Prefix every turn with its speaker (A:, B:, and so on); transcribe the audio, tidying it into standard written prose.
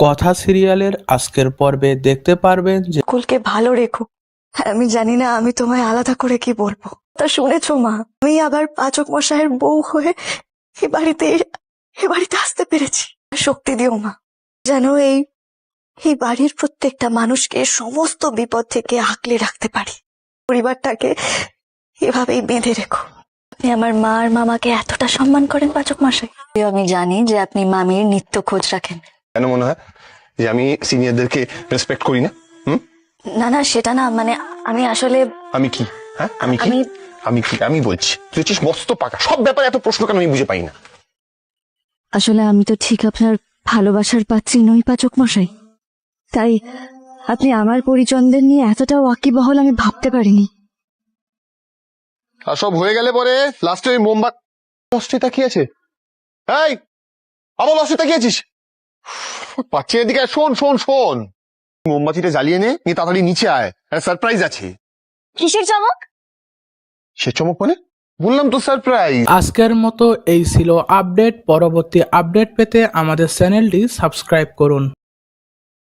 A: কথা সিরিয়ালের আজকের পর্বে দেখতে পারবেন যে
B: কুলকে ভালো রেখো। আমি জানি না আমি তোমায় আলাদা করে কি বলবো। তা শুনেছো মা, আমি আবার পাচক মশাইয়ের বউ হয়ে এ বাড়িতে আসতে পেরেছি। শক্তি দিও মা, যেন এই বাড়ির প্রত্যেকটা মানুষকে সমস্ত বিপদ থেকে আঁকলে রাখতে পারি। পরিবারটাকে এভাবেই বেঁধে রেখো। আপনি আমার মা আর মামাকে এতটা সম্মান করেন পাচক মশাই। আমি জানি যে আপনি মামির নিত্য খোঁজ রাখেন।
C: কেন মনে হয় যে আমি সিনিয়রদেরকে রেসপেক্ট করি না?
B: না না, সেটা না, মানে আমি আসলে
C: আমি কি? হ্যাঁ, আমি কি? আমি কি? আমি বলছি তুই হচ্ছিস মস্ত পাকা, সব ব্যাপারে এত প্রশ্ন কেন আমি বুঝে পাই না।
B: আসলে আমি তো ঠিক আপনার ভালোবাসার পাত্রী নই পাচক মশাই, তাই আপনি আমার পরিজনদের নিয়ে এতটা ওয়াকিবহল আমি ভাবতে পারিনি।
C: আর সব হয়ে গেলে পরে লাস্টে ওই মোমবাতি লস্টে তাকিয়ে আছে। এই আবার লস্টে তাকিয়ে আছিস? পাচ্ছি এদিকে আয়, শোন শোন শোন, মোমবাতিটা জ্বালিয়ে নে, নিয়ে তাড়াতাড়ি নিচে আয়, সারপ্রাইজ আছে।
B: কিসের চমক?
C: সে চমক মানে? বললাম তো সারপ্রাইজ।
A: আজকের মতো এই ছিল আপডেট। পরবর্তী আপডেট পেতে আমাদের চ্যানেলটি সাবস্ক্রাইব করুন।